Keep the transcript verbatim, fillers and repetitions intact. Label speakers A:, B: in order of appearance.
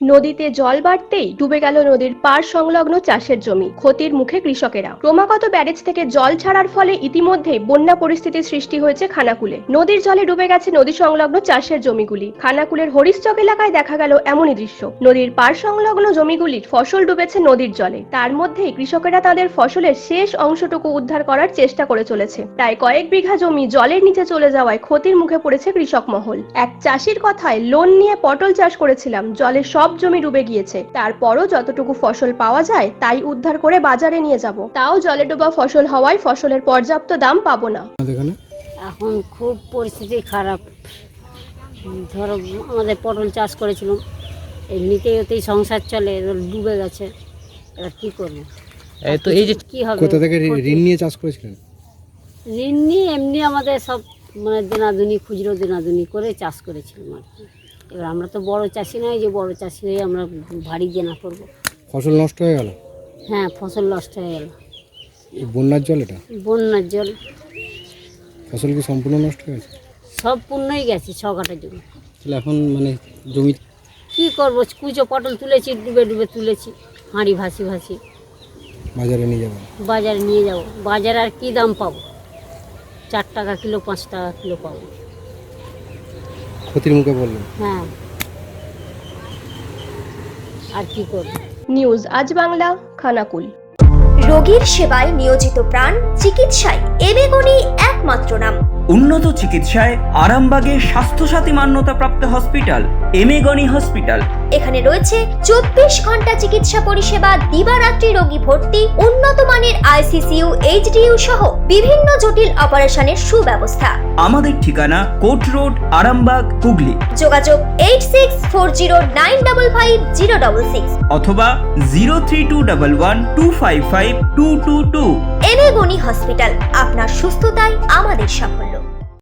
A: নদীতে জল বাড়তেই ডুবে গেল নদীর পাড় সংলগ্ন চাষের জমি, ক্ষতির মুখে কৃষকেরা। ক্রমাগত ব্যারেজ থেকে জল ছাড়ার ফলে ইতিমধ্যেই বন্যা পরিস্থিতির সৃষ্টি হয়েছে খানাকুলে। নদীর জলে ডুবে গেছে নদী সংলগ্ন চাষের জমিগুলি। খানাকুলের হরিশচক এলাকায় দেখা গেল এমনই দৃশ্য। নদীর পাড় সংলগ্ন জমিগুলির ফসল ডুবেছে নদীর জলে। তার মধ্যেই কৃষকেরা তাদের ফসলের শেষ অংশটুকু উদ্ধার করার চেষ্টা করে চলেছে। প্রায় কয়েক বিঘা জমি জলের নিচে চলে যাওয়ায় ক্ষতির মুখে পড়েছে কৃষক মহল। এক চাষির কথায়, লোন নিয়ে পটল চাষ করেছিলাম, জলে সব জমি ডুবে গিয়েছে। তারপরও যতটুকু ফসল পাওয়া যায় তাই উদ্ধার করে বাজারে নিয়ে যাব, তাও জলে ডোবা ফসল হওয়ায় ফসলের পর্যাপ্ত দাম পাবো না।
B: এখন খুব পরিস্থিতি খারাপ। ধরো আমাদের পটল চাষ করেছিলাম, এমনিতেই ওতেই সংসার চলে, ডুবে গেছে, এবার কি করবো? তো এই যে কি হবে,
C: কোথা থেকে ঋণ নিয়ে চাষ করেছিলেন?
B: ঋণ নিয়ে এমনি আমাদের সব মানে দেনাদুনি, খুচরো দেনাদুনি করে চাষ করেছিলাম আর কি। এবার আমরা তো বড় চাষি নয় যে বড় চাষি হয়ে আমরা ভারী দেনা করবো।
C: ফসল নষ্ট হয়ে গেল?
B: হ্যাঁ, ফসল নষ্ট হয়ে গেল।
C: এই বন্যার জল? এটা
B: বন্যার জল।
C: ফসল কি সম্পূর্ণ নষ্ট হয়ে গেছে?
B: সব পূর্ণই গেছে, ছ কাটা জমি।
C: তাহলে এখন মানে জমি
B: কি করবো? কুচো পটল তুলেছি, ডুবে ডুবে তুলেছি, হাঁড়ি ভাসি ভাসি
C: বাজারে নিয়ে যাবেন?
B: বাজারে নিয়ে যাব। বাজারে আর কি দাম পাবো? চার টাকা কিলো, পাঁচ টাকা কিলো পাবো।
C: ক্ষতির মুখে বললেন।
B: হ্যাঁ, আর কি করবো?
A: নিউজ আজ বাংলা, খানাকুল।
D: রোগীর সেবায় নিয়োজিত প্রাণ, চিকিৎসায় এবেগুনি একমাত্র নাম।
E: উন্নত চিকিৎসায় আরামবাগে স্বাস্থ্যসাথী মান্যতাপ্রাপ্ত হসপিটাল এমেগনি হসপিটাল।
D: এখানে রয়েছে চব্বিশ ঘন্টা চিকিৎসা পরিষেবা, দিবারাত্রি রোগী ভর্তি, উন্নত মানের আইসিসিইউ, এইচডিইউ সহ বিভিন্ন জটিল অপারেশনের সুব্যবস্থা।
E: আমাদের ঠিকানা কোট রোড, আরামবাগ, হুগলি।
D: যোগাযোগ eight six four zero nine double five zero double six
E: অথবা zero three two double one two five five two two two.
D: এবেগুনি হসপিটাল, আপনার সুস্থতাই আমাদের সাফল্য।